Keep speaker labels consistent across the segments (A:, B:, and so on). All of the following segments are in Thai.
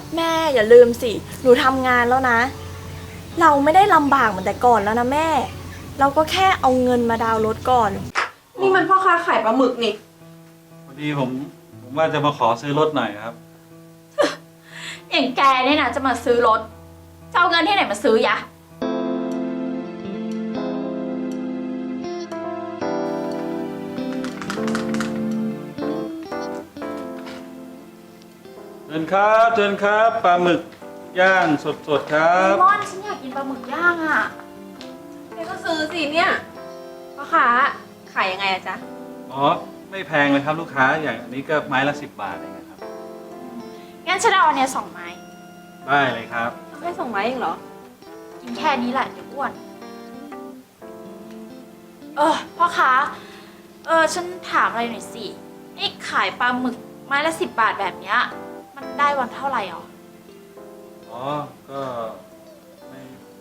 A: แม่อย่าลืมสิหนูทำงานแล้วนะ เราไม่ได้ลำบากเหมือนแต่ก่อนแล้วนะแม่ เราก็แค่เอาเงินมาดาวน์รถก่อน
B: นี่มันพ่อค้าขายปลาหมึกนี่
C: พอดีผมว่าจะมาขอซื้อรถหน่อยครับ
D: อย่างแกเนี่ยนะจะมาซื้อรถจะเอาเงินที่ไหนมาซื้อยะ
C: เชิญครับเชิญครับปลาหมึกย่างสดๆครับ
D: ม่อนฉันอยากกินปลาหมึกย่างอ่ะ
B: แกก็ซื้อสิเนี่ยพ่อค้าขายยังไงอะจ๊ะ
C: อ๋อไม่แพงเลยครับลูกค้าอย่างอันนี้ก็ไม้ละ10 บาทเองนะครับ
D: งั้นฉันเอาอันเนี้ย2 ไม้
C: ได้เลยครับ
B: แค่2 ไม้เองเหรอ
D: กินแค่นี้แหละเดี๋ยวอ้วนพ่อค้าฉันถามอะไรหน่อยสินี่ขายปลาหมึกไม้ละ10 บาทแบบเนี้ยมันได้วันเท่าไหร่หรอ
C: อ๋อก็ไม่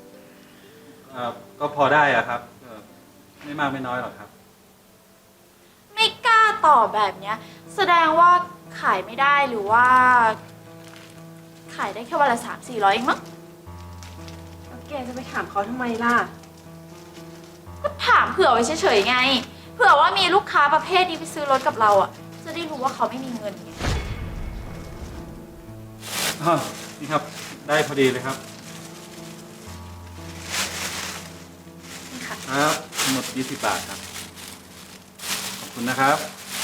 C: ก็พอได้อะครับไม่มากไม่น้อยหรอกครับ
D: ไม่กล้าตอบแบบเนี้ยแสดงว่าขายไม่ได้หรือว่า ขายได้แค่วันละ300-400เองมั้ง
B: แล้วแกจะไปถามเขาทำไมล่ะ
D: ก็ถามเผื่อไว้เฉยๆไง เผื่อว่ามีลูกค้าประเภทนี้ไปซื้อรถกับเราอ่ะ จะได้รู้ว่าเขาไม่มีเงินไง
C: นี่ครับได้พอดีเลยครับ
D: นี่ค่ะ
C: ครับทั้งหมด20 บาทครับขอบคุณนะครับ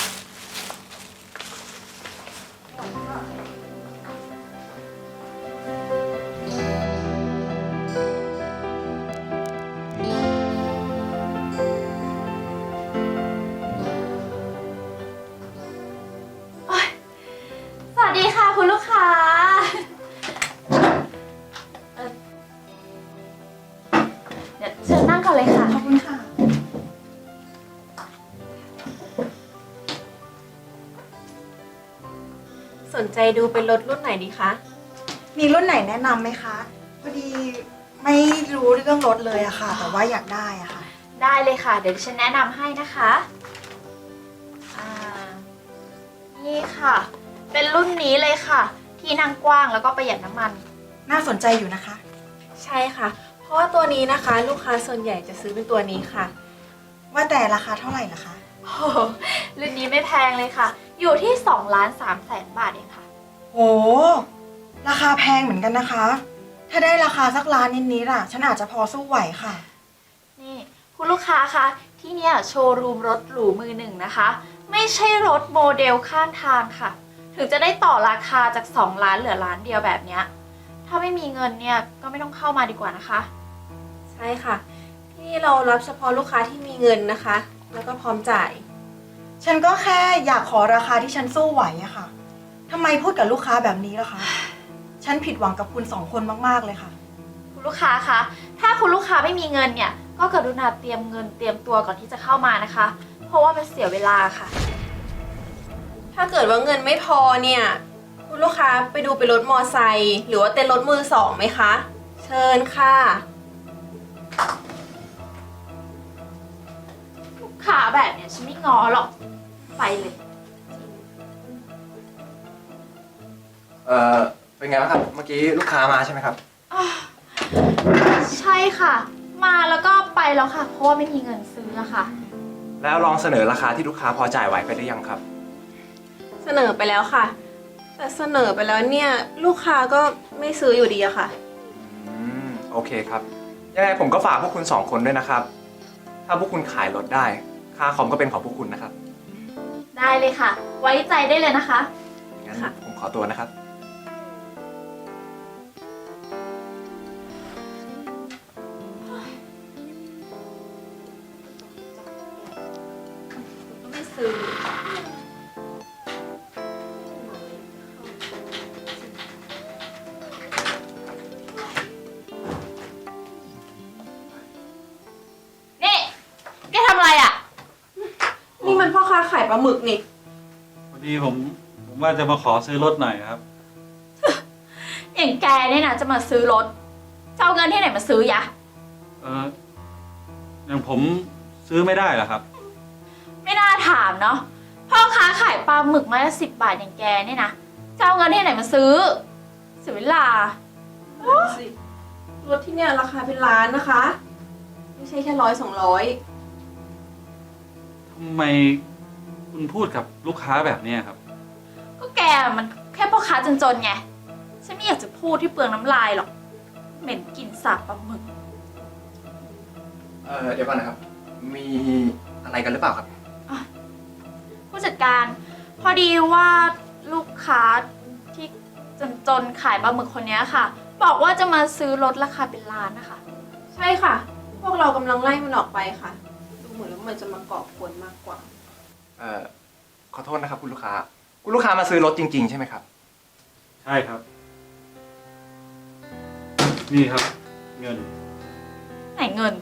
D: สวัสดีค่ะคุณลูกค้าเดี๋ยวเชิญนั่งก่อนเลยค่ะ
A: ขอบคุณค่ะ
B: สนใจดูเป็นรถรุ่นไหนดีคะ
E: มีรุ่นไหนแนะนำไหมคะ พอดีไม่รู้เรื่องรถเลยอะค่ะ แต่ว่าอยากได้อะค่ะ
D: ได้เลยค่ะ เดี๋ยวฉันแนะนำให้นะคะอ่านี่ค่ะ เป็นรุ่นนี้เลยค่ะ ที่นั่งกว้างแล้วก็ประหยัดน้ำมัน
E: น่าสนใจอยู่นะคะ
B: ใช่ค่ะ เพราะว่าตัวนี้นะคะ ลูกค้าส่วนใหญ่จะซื้อเป็นตัวนี้ค่ะ
E: ว่าแต่ราคาเท่าไหร่ล่ะคะ
D: โอ้โหรุ่นนี้ไม่แพงเลยค่ะ อยู่ที่2,300,000 บาทเองค่ะ
E: โห ราคาแพงเหมือนกันนะคะ ถ้าได้ราคาสักล้านนิดๆอะฉันอาจจะพอสู้ไหวค่ะ
D: นี่คุณลูกค้าคะที่เนี่ยโชว์รูมรถหรูมือหนึ่งนะคะ ไม่ใช่รถโมเดลข้างทางค่ะ ถึงจะได้ต่อราคาจาก2 ล้านเหลือล้านเดียวแบบเนี้ยถ้าไม่มีเงินเนี่ยก็ไม่ต้องเข้ามาดีกว่านะคะ
B: ใช่ค่ะ ที่นี่เรารับเฉพาะลูกค้าที่มีเงินนะคะ แล้วก็พร้อมจ่าย
E: ฉันก็แค่อยากขอราคาที่ฉันสู้ไหวอะค่ะทำไมพูดกับลูกค้าแบบนี้ล่ะคะ ฉันผิดหวังกับคุณ2 คนมากๆเลยค่ะ
D: คุณลูกค้าคะถ้าคุณลูกค้าไม่มีเงินเนี่ยก็กรุณาเตรียมเงินเตรียมตัวก่อนที่จะเข้ามานะคะ เพราะว่ามันเสียเวลาค่ะ
B: ถ้าเกิดว่าเงินไม่พอเนี่ย คุณลูกค้าไปดูเป็นรถมอไซค์หรือว่าเต้นรถมือสองไหมคะ เชิญค่ะ
D: ลูกค้าแบบเนี้ยฉันไม่ง้อหรอกไปเลย
F: เป็นไงบ้างครับ เมื่อกี้ลูกค้ามาใช่ไหมครับ
D: ใช่ค่ะ มาแล้วก็ไปแล้วค่ะ เพราะว่าไม่มีเงินซื้ออะค่ะ
F: แล้วลองเสนอราคาที่ลูกค้าพอจ่ายไหวไปหรือยังครับ
B: เสนอไปแล้วค่ะ แต่เสนอไปแล้วเนี่ยลูกค้าก็ไม่ซื้ออยู่ดีอะค่ะ
F: โอเคครับ ยังไงผมก็ฝากพวกคุณ2 คนด้วยนะครับ ถ้าพวกคุณขายรถได้ ค่าคอมก็เป็นของพวกคุณนะครับ
D: ได้เลยค่ะ ไว้ใจได้เลยนะคะ
F: งั้น
B: ค่ะ
F: ผมขอตัวนะครับ
D: ก็ไม่ซื้อ นี่ แกทำอะไรอ่ะ
B: นี่มันพ่อค้าขายปลาหมึกนี่
C: พอดีผมว่าจะมาขอซื้อรถหน่อยครับ
D: อย่างแกเนี่ยนะจะมาซื้อรถจะเอาเงินที่ไหนมาซื้อยะ
C: อย่างผมซื้อไม่ได้เหรอครับ
D: ไม่น่าถามเนาะพ่อค้าขายปลาหมึกไม้ละ10 บาทอย่างแกเนี่ยนะจะเอาเงินที่ไหนมาซื้อสียเวลา
B: สิรถที่เนี่ยราคาเป็นล้านนะคะ ไม่ใช่แค่100-200
C: ทำไมคุณพูดกับลูกค้าแบบเนี้ยครับ
D: ก็แกมันแค่พ่อค้าจนๆไง ฉันไม่อยากจะพูดที่เปลืองน้ำลายหรอก เหม็นกลิ่นสาบปลาหมึก
F: เดี๋ยวก่อนนะครับ มีอะไรกันหรือเปล่าครับ
D: ผู้จัดการ พอดีว่าลูกค้าที่จนๆขายปลาหมึกคนนี้ค่ะ บอกว่าจะมาซื้อรถราคาเป็นล้านนะคะ
B: ใช่ค่ะ พวกเรากำลังไล่มันออกไปค่ะ ดูเหมือนว่ามันจะมาก่อกวนมากกว่า
F: ขอโทษนะครับคุณลูกค้า คุณลูกค้ามาซื้อรถจริงๆใช่ไหมครับ
C: ใช่ครับ นี่ครับ เงิน
D: ไหนเงิน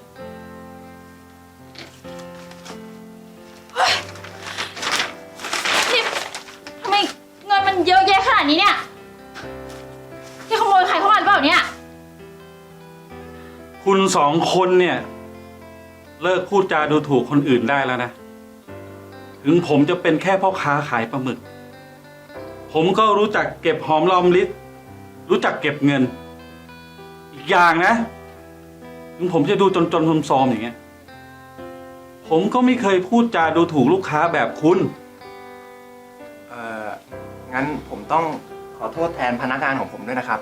D: เฮ้ยนี่ทำไมเงินมันเยอะแยะขนาดนี้เนี่ยที่ขโมยใครเข้ามาหรือเปล่าเนี่ย
C: คุณสองคนเนี่ย เลิกพูดจาดูถูกคนอื่นได้แล้วนะ ถึงผมจะเป็นแค่พ่อค้าขายปลาหมึก ผมก็รู้จักเก็บหอมรอมริบรู้จักเก็บเงิน อีกอย่างนะ ถึงผมจะดูจนๆซอมๆอย่างเงี้ย ผมก็ไม่เคยพูดจาดูถูกลูกค้าแบบคุณ
F: งั้นผมต้องขอโทษแทนพนักงานของผมด้วยนะครับ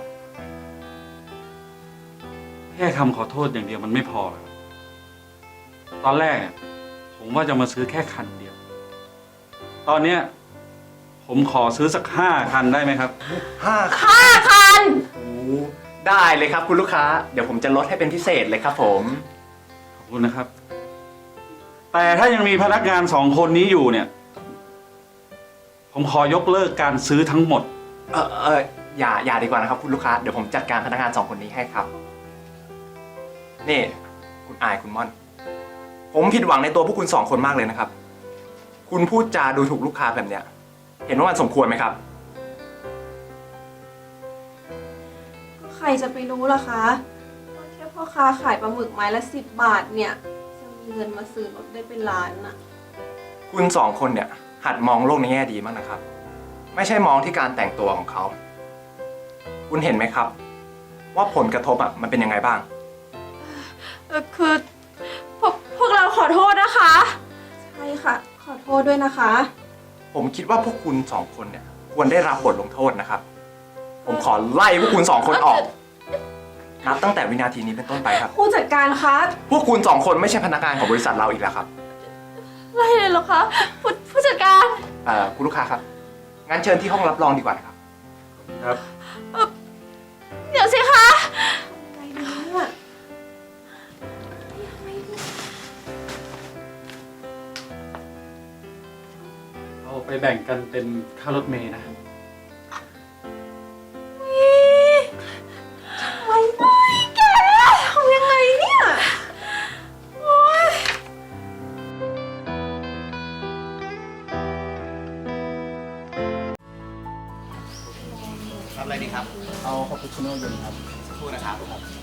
C: แค่คำขอโทษอย่างเดียวมันไม่พอหรอกตอนแรกเนี่ยผมว่าจะมาซื้อแค่คันเดียว ตอนเนี้ยผมขอซื้อสัก5 คันได้ไหมครับ
F: 5 คันโอ้ได้เลยครับคุณลูกค้า เดี๋ยวผมจะลดให้เป็นพิเศษเลยครับผม
C: ขอบคุณนะครับ แต่ถ้ายังมีพนักงาน2 คนนี้อยู่เนี่ย ผมขอยกเลิกการซื้อทั้งหมด
F: อย่าดีกว่านะครับคุณลูกค้า เดี๋ยวผมจัดการพนักงาน2 คนนี้ให้ครับ นี่ คุณอายคุณม่อน ผมผิดหวังในตัวพวกคุณ2 คนมากเลยนะครับ คุณพูดจาดูถูกลูกค้าแบบเนี้ย เห็นว่ามันสมควรไหมครับ
B: ก็ใครจะไปรู้ล่ะคะว่าแค่พ่อค้าขายปลาหมึกไม้ละ10 บาทเนี่ย จะมีเงินมาซื้อรถได้เป็นล้านน่ะ
F: คุณ2 คนเนี่ย หัดมองโลกในแง่ดีมากนะครับ ไม่ใช่มองที่การแต่งตัวของเขา คุณเห็นไหมครับ ว่าผลกระทบมันเป็นยังไงบ้าง
D: คือพวกเราขอโทษนะคะ
B: ใช่ค่ะ ขอโทษด้วยนะคะ
F: ผมคิดว่าพวกคุณ2 คนเนี่ยควรได้รับบทลงโทษนะครับ ผมขอไล่พวกคุณ2 คนออก นับตั้งแต่วินาทีนี้เป็นต้นไปครับ
B: ผู้จัดการคะ
F: พวกคุณ2 คนไม่ใช่พนักงานของบริษัทเราอีกแล้วครับ
D: ไล่เลยเหรอคะผู้จัดการ
F: คุณลูกค้าครับ งั้นเชิญที่ห้องรับรองดีกว่านะครับ
C: ครับ
D: เดี๋ยวสิคะ
B: ไงดีเนี่ย
C: เอาไปแบ่งกันเป็นค่ารถเมล์นะ
B: ไม่แกทำยังไงเนี่ย
G: รับอะไรดีครับ
H: เอาคาปูชิโน่เย็นครับ
G: สักครู่นะครับ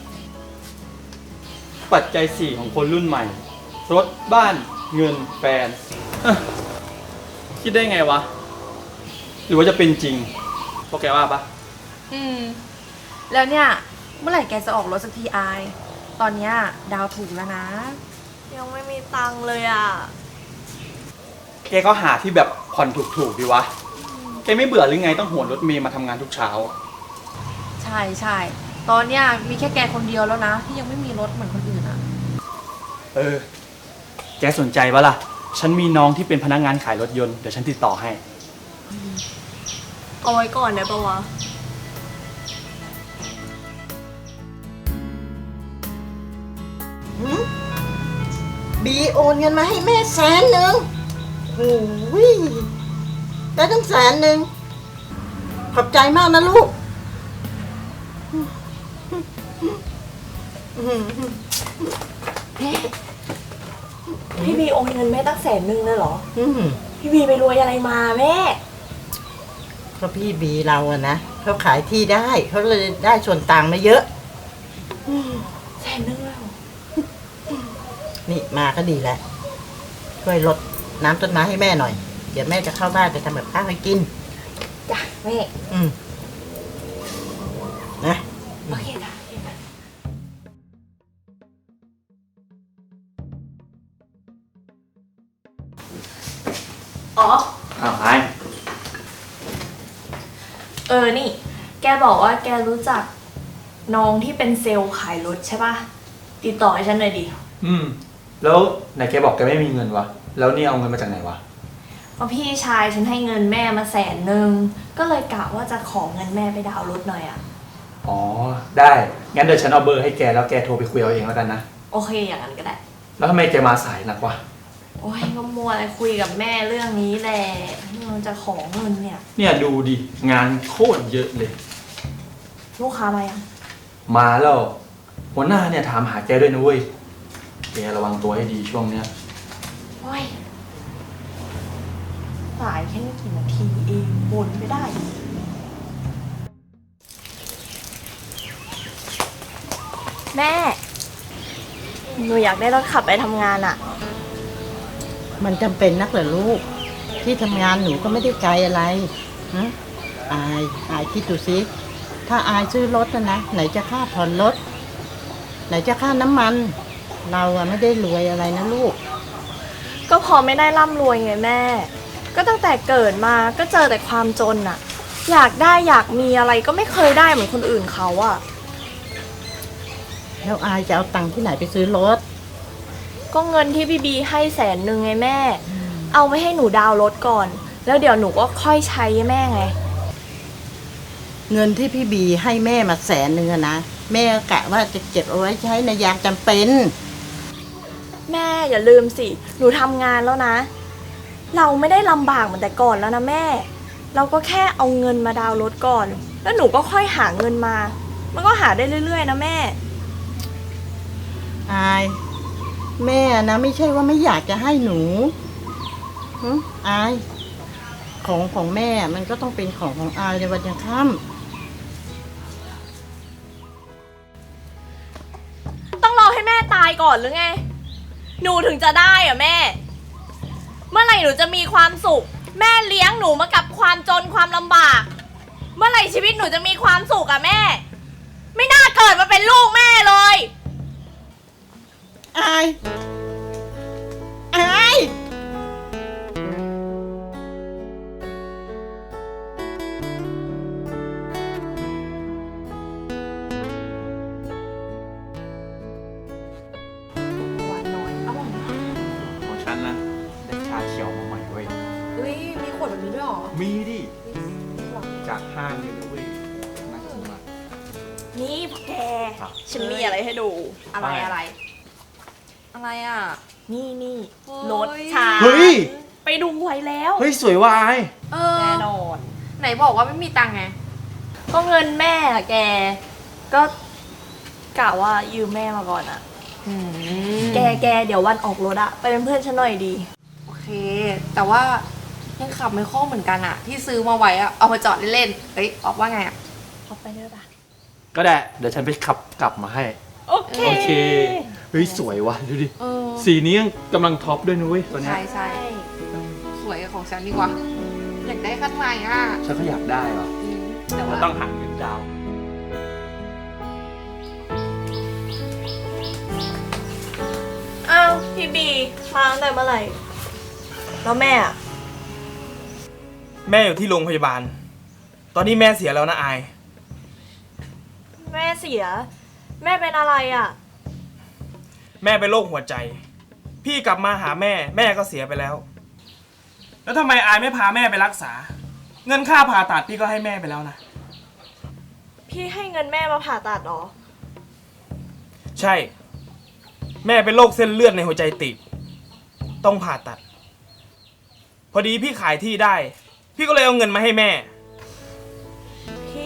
H: ปัจจัย 4 ของคนรุ่นใหม่ รถบ้านเงินแฟนเอ้อคิดได้ไงวะ หรือว่าจะเป็นจริงพวกแกว่าปะ
A: แล้วเนี่ย เมื่อไหร่แกจะออกรถสักทีอาย ตอนเนี้ยดาวถูกแล้วนะ ยังไม่มีตังค์เลยอ่ะ
H: แกก็หาที่แบบผ่อนถูกๆดีวะ แกไม่เบื่อหรือไงต้องโหนรถเมย์มาทำงานทุกเช้า
A: ใช่ใช่ตอนเนี้ยมีแค่แกคนเดียวแล้วนะ ที่ยังไม่มีรถเหมือนคนอื่นอ่ะ
H: แกสนใจปะล่ะ ฉันมีน้องที่เป็นพนักงานขายรถยนต์ เดี๋ยวฉันติดต่อให้
A: เอาไว้ก่อนได้ปะวะ
I: บีโอนเงินมาให้แม่100,000โอ้ยได้ตั้ง100,000ขอบใจมากนะลูก
A: พี่บีโอนเงินแม่ตั้ง100,000เลยเหรอ
I: อืม
A: พี่บีไปรวยอะไรมาแม่
I: เพราะพี่บีเราอะนะเขาขายที่ได้เขาเลยได้ส่วนต่างมาเยอะ
A: 100,000เลยเหรอ
I: นี่มาก็ดีแล้วช่วยลดน้ำต้นไม้ให้แม่หน่อย เดี๋ยวแม่จะเข้าบ้านไปทำแบบข้าวให้กิน
A: จ้ะแม่
I: อืม
D: นี่ แกบอกว่าแกรู้จักน้องที่เป็นเซลล์ขายรถใช่ปะติดต่อให้ฉันหน่อยดิ
H: แล้วไหนแกบอกแกไม่มีเงินวะ แล้วนี่เอาเงินมาจากไหนวะ
D: เพราะพี่ชายฉันให้เงินแม่มา100,000ก็เลยกะว่าจะขอเงินแม่ไปดาวน์รถหน่อยอะ
H: อ๋อ ได้ งั้นเดี๋ยวฉันเอาเบอร์ให้แกแล้วแกโทรไปคุยเอาเองแล้วกันนะ
D: โอเคอย่างนั้นก็ได้
H: แล้วทำไมแกมาสายนักวะ
D: โอ้ยก็มัวอะไรคุยกับแม่เรื่องนี้แหละมันจะขอเงินเนี่ย
H: เนี่ยดูดิ งานโคตรเยอะเลย
D: ลูกค้ามายัง
H: มาแล้ว หัวหน้าเนี่ยถามหาแกด้วยนะเว้ย แกระวังตัวให้ดีช่วงเนี้ย
D: โอ้ยสายแค่ไม่กี่นาทีเองบ่นไม่ได้ แม่ หนูอยากได้รถขับไปทำงานอะ
I: มันจำเป็นนักเหรอลูก ที่ทำงานหนูก็ไม่ได้ไกลอะไรฮะอายคิดดูสิถ้าอายซื้อรถนะไหนจะค่าผ่อนรถ ไหนจะค่าน้ำมัน เราอะไม่ได้รวยอะไรนะลูก
D: ก็พอไม่ได้ร่ำรวยไงแม่ ก็ตั้งแต่เกิดมาก็เจอแต่ความจนอะอยากได้อยากมีอะไรก็ไม่เคยได้เหมือนคนอื่นเขาอะ
I: แล้วอายจะเอาตังค์ที่ไหนไปซื้อรถ
D: ก็เงินที่พี่บีให้100,000ไงแม่ เอาไว้ให้หนูดาวน์รถก่อน แล้วเดี๋ยวหนูก็ค่อยใช้แม่ไง
I: เงินที่พี่บีให้แม่มา100,000อะนะแม่กะว่าจะเก็บเอาไว้ใช้ในยามจำเป็น
D: แม่อย่าลืมสิ หนูทำงานแล้วนะ เราไม่ได้ลำบากเหมือนแต่ก่อนแล้วนะแม่ เราก็แค่เอาเงินมาดาวน์รถก่อน แล้วหนูก็ค่อยหาเงินมา มันก็หาได้เรื่อยๆนะแม่
I: อายแม่นะไม่ใช่ว่าไม่อยากจะให้หนูหึอายของแม่มันก็ต้องเป็นของอายในวันยังค่
D: ต้องรอให้แม่ตายก่อนหรือไง หนูถึงจะได้อะแม่ เมื่อไหร่หนูจะมีความสุข แม่เลี้ยงหนูมากับความจนความลำบาก เมื่อไหร่ชีวิตหนูจะมีความสุขอะแม่ ไม่น่าเกิดมาเป็นลูกแม่เลย
I: ำอาย
D: หวานน้อยอร่อยนะ
F: ของฉันนะได้ชาเขียวมาใหม่เว้ย
A: เฮ้ย มีขวดแบบนี้ด้วยเหรอ
F: มีดิ จากห้างเลยนะเว้ยน่ากินมาก
D: นี่พวกแก
F: ครับ
D: ฉันมีอะไรให้ดู
A: อะไรอะไร อะไรอ่ะ
D: นี่
A: เฮ้ย
D: รถชา
F: เฮ้ย
D: ไปดูไว้แล้ว
F: เฮ้ย สวยว่ะไอ้
A: เออ
D: แน่นอน
A: ไหนบอกว่าไม่มีตังค์ไง
D: ก็เงินแม่อะแก ก็กะว่ายืมแม่มาก่อนอะแกเดี๋ยววันออกรถอะไปเป็นเพื่อนฉันหน่อยดี
A: โอเค แต่ว่ายังขับไม่คล่องเหมือนกันอะที่ซื้อมาไว้อะเอามาจอดเล่นๆเอ้ยออกว่าไงอะ
D: ออกไปได้ปะ
H: ก็ได้ เดี๋ยวฉันไปขับกลับมาให้
D: โอเค
H: โอเค เฮ้ย สวยว่ะ ดูดิ
A: เออ
H: สีนี้ยังกำลังท็อปด้วยนะเว้ยตัวเนี้ย
A: ใช่ใช่สวยของฉันดีกว่า อยากได้คันใหม่อะ
H: ฉันก็อยากได้ว่ะ
A: แต่ว่า
H: ต้องหาเงินดาวน์
D: อ้าวพี่บีมาตั้งแต่เมื่อไหร่ แล้วแม่อะ
G: แม่อยู่ที่โรงพยาบาล ตอนนี้แม่เสียแล้วนะอาย
D: แม่เสีย แม่เป็นอะไรอะ
G: แม่เป็นโรคหัวใจ พี่กลับมาหาแม่ แม่ก็เสียไปแล้ว แล้วทำไมอายไม่พาแม่ไปรักษา เงินค่าผ่าตัดพี่ก็ให้แม่ไปแล้วนะ
D: พี่ให้เงินแม่มาผ่าตัดเหรอ
G: ใช่ แม่เป็นโรคเส้นเลือดในหัวใจตีบต้องผ่าตัด พอดีพี่ขายที่ได้ พี่ก็เลยเอาเงินมาให้แม่
D: พี่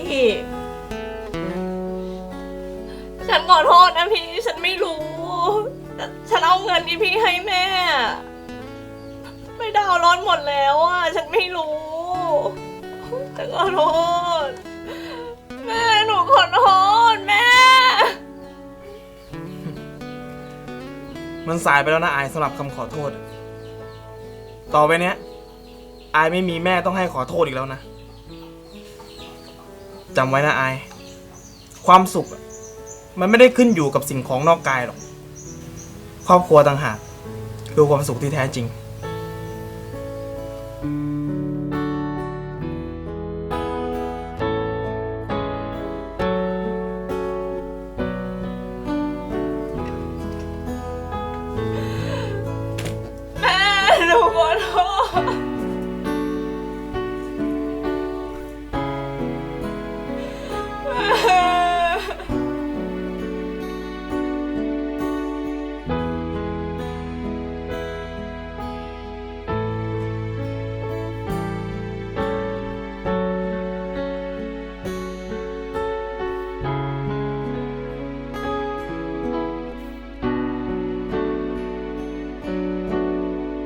D: ฉันขอโทษนะพี่ ฉันไม่รู้แต่ฉันเอาเงินที่พี่ให้แม่ ไปดาวน์รถหมดแล้วอ่ะ ฉันไม่รู้ฉันขอโทษ แม่หนูขอโทษแม่
G: มันสายไปแล้วนะอายสำหรับคำขอโทษ ต่อไปเนี้ยอายไม่มีแม่ต้องให้ขอโทษอีกแล้วนะจำไว้นะอาย ความสุขอะมันไม่ได้ขึ้นอยู่กับสิ่งของนอกกายหรอก ครอบครัวต่างหากคือความสุขที่แท้จริง